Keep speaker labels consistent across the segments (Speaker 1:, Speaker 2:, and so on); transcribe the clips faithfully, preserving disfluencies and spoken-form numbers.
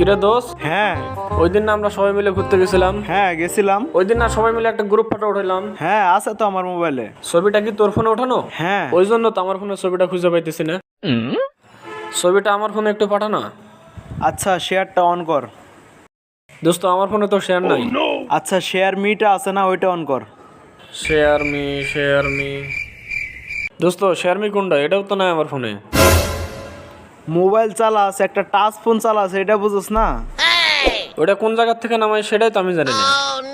Speaker 1: কিরে দোস্ত,
Speaker 2: হ্যাঁ
Speaker 1: ওই দিন না আমরা সবাই মিলে ঘুরতে গেছিলাম?
Speaker 2: হ্যাঁ গেছিলাম।
Speaker 1: ওই দিন না সবাই মিলে একটা গ্রুপ ফটো উঠাইলাম?
Speaker 2: হ্যাঁ আছে তো আমার মোবাইলে।
Speaker 1: ছবিটা কি তোর ফোনে ওঠানো?
Speaker 2: হ্যাঁ
Speaker 1: ওই জন্য তো আমার ফোনে ছবিটা খুঁজে পাইতেছি না। ছবিটা আমার ফোনে একটু পাঠানো।
Speaker 2: আচ্ছা শেয়ারটা অন কর।
Speaker 1: দোস্ত আমার ফোনে তো শেয়ার নাই।
Speaker 2: আচ্ছা শেয়ার মিটা আছে না, ওইটা অন কর।
Speaker 1: শেয়ার মি শেয়ার মি দোস্ত, শেয়ার মি কোনটা? এটাও তো নাই আমার ফোনে।
Speaker 2: মোবাইল চালাস, একটা টাচ ফোন চালাস, এটা বুঝোস না?
Speaker 1: ওটা কোন জায়গা থেকে নামাই সেটাই তো আমি জানি না।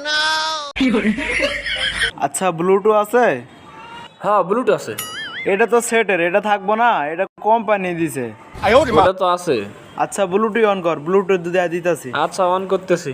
Speaker 2: আচ্ছা ব্লুটুথ আছে?
Speaker 1: হ্যাঁ ব্লুটুথ আছে।
Speaker 2: এটা তো সেটের, এটা থাকবো না, এটা কোম্পানি দিছে।
Speaker 1: ওটা তো আছে।
Speaker 2: আচ্ছা ব্লুটুথ অন কর, ব্লুটুথ দিয়ে দিতাছি।
Speaker 1: আচ্ছা অন করতেছি।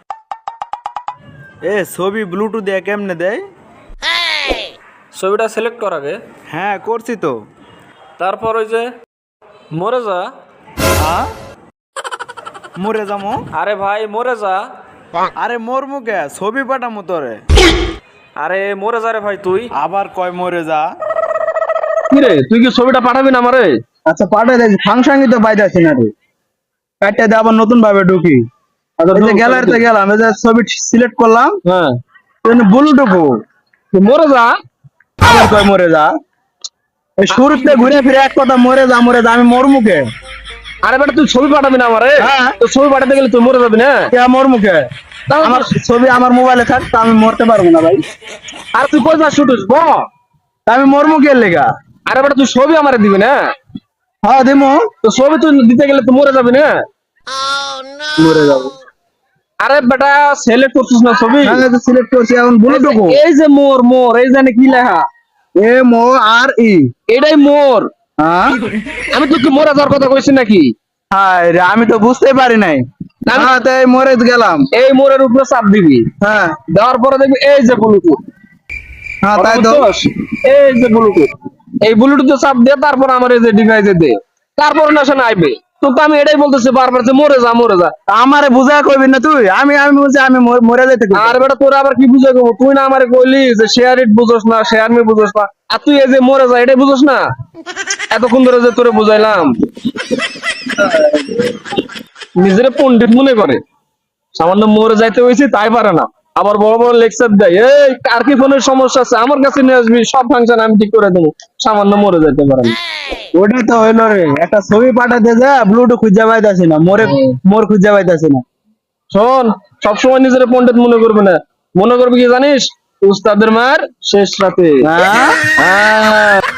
Speaker 2: এ ছবি ব্লুটুথ দিয়ে কেমনে দেয়?
Speaker 1: ছবিটা সিলেক্ট কর আগে।
Speaker 2: হ্যাঁ করছি তো।
Speaker 1: তারপর ওই যে মরে যা।
Speaker 2: হ্যাঁ মরে যামো?
Speaker 1: আরে ভাই মরে যা।
Speaker 2: আরে মোর মুখে ছবি পাঠামো তোরে।
Speaker 1: আরে মরে যা রে ভাই তুই।
Speaker 2: আবার কয় মরে যা।
Speaker 3: কিরে তুই কি ছবিটা পাঠাবি না আমারে?
Speaker 4: আচ্ছা পাঠাই দেখি, ফাংশনই তো পাইতাছি না রে। কাটতে দিয়ে আবার নতুন ভাবে ঢুকি। এই যে গ্যালারিতে গেলাম, এই যে ছবি সিলেক্ট করলাম,
Speaker 3: হ্যাঁ
Speaker 4: বুলুটুকু
Speaker 3: তুই মরে যা।
Speaker 4: আবার কয় মরে যা। এই শুরুতে ঘুরে ফিরে এক কথা মরে যা মরে যা, আমি মোর মুখে।
Speaker 3: আরে বেটা তুই ছবি পাঠাবি না আমারে?
Speaker 4: হ্যাঁ।
Speaker 3: তো ছবি পাঠাতে গেলে তুই মরে যাবি না?
Speaker 4: কে মোর মুখে? আমার ছবি আমার মোবাইলে থাক, তা আমি মরতে পারবো না ভাই।
Speaker 3: আর তুই কই যা শুটিস ব?
Speaker 4: তা আমি মোর মুখের লেগা।
Speaker 3: আরে বেটা তুই ছবি আমারে দিবি না?
Speaker 4: হ্যাঁ দিমু।
Speaker 3: তো ছবি তুই দিতে গেলে তুই মরে যাবি না?
Speaker 4: মরে যাবো।
Speaker 3: আরে বেটা সিলেক্ট করছিস না ছবি?
Speaker 4: হ্যাঁ তো সিলেক্ট করছি, এখন বুলুটুকু
Speaker 3: এই যে মোর মোর এই জানে কি লেখা?
Speaker 4: M O R E.
Speaker 3: এটাই মোর।
Speaker 4: হ্যাঁ
Speaker 3: আমি তোকে মরে যাওয়ার কথা কইছি নাকি?
Speaker 4: হায় রে, আমি তো বুঝতে পারি নাই।
Speaker 3: আমি-
Speaker 4: হ্যাঁ তাই মরে গেলাম।
Speaker 3: এই মোরের উপরে চাপ দিবি।
Speaker 4: হ্যাঁ
Speaker 3: দেওয়ার পরে দেখবি এই যে ব্লুটুথ।
Speaker 4: হ্যাঁ তাই তো।
Speaker 3: এই যে ব্লুটুথ, এই ব্লুটুথে চাপ দিয়ে তারপর আমার এই যে ডিভাইসে দে, তারপর না শোনা আইবে। তো তো আমি এটাই বলতেছি বারবার যে মরে যা মরে যা।
Speaker 4: আমারে বুঝা কইবি না তুই? আমি আমি বুঝি আমি মর- মরে যাইতে কইবি।
Speaker 3: আর বেটা তোরা আবার কি বুঝে গো? তুই না আমারে কইলি যে শেয়ার ইট বুঝোস না, শেয়ার মি বুঝোস না, আর তুই এই যে মরে যা এটাই বুঝোস না? এতক্ষণ ধরে যে তোরে বুঝাইলাম, নিজেরে পণ্ডিত মনে করে, সামান্য মরে যাইতে হয়েছে তাই পারে না, আবার বড় বড় লেকচার দেয়। এই কার কি ফোনের সমস্যা আছে আমার কাছে নিয়ে আসবি, সব ফাংশন আমি ঠিক করে দেবো, সামান্য মরে যাইতে পারে না।
Speaker 4: ওটাই তো হইলো রে, একটা ছবি পাঠাতে যা ব্লুটুথ খুঁজে পাইতাছি না, মোরে মোর খুঁজে পাইতাছি না।
Speaker 3: শোন, সবসময় নিজের পণ্ডিত মনে করবে না, মনে করবি কি জানিস? উস্তাদের মার শেষ রাতে।
Speaker 4: হ্যাঁ
Speaker 3: হ্যাঁ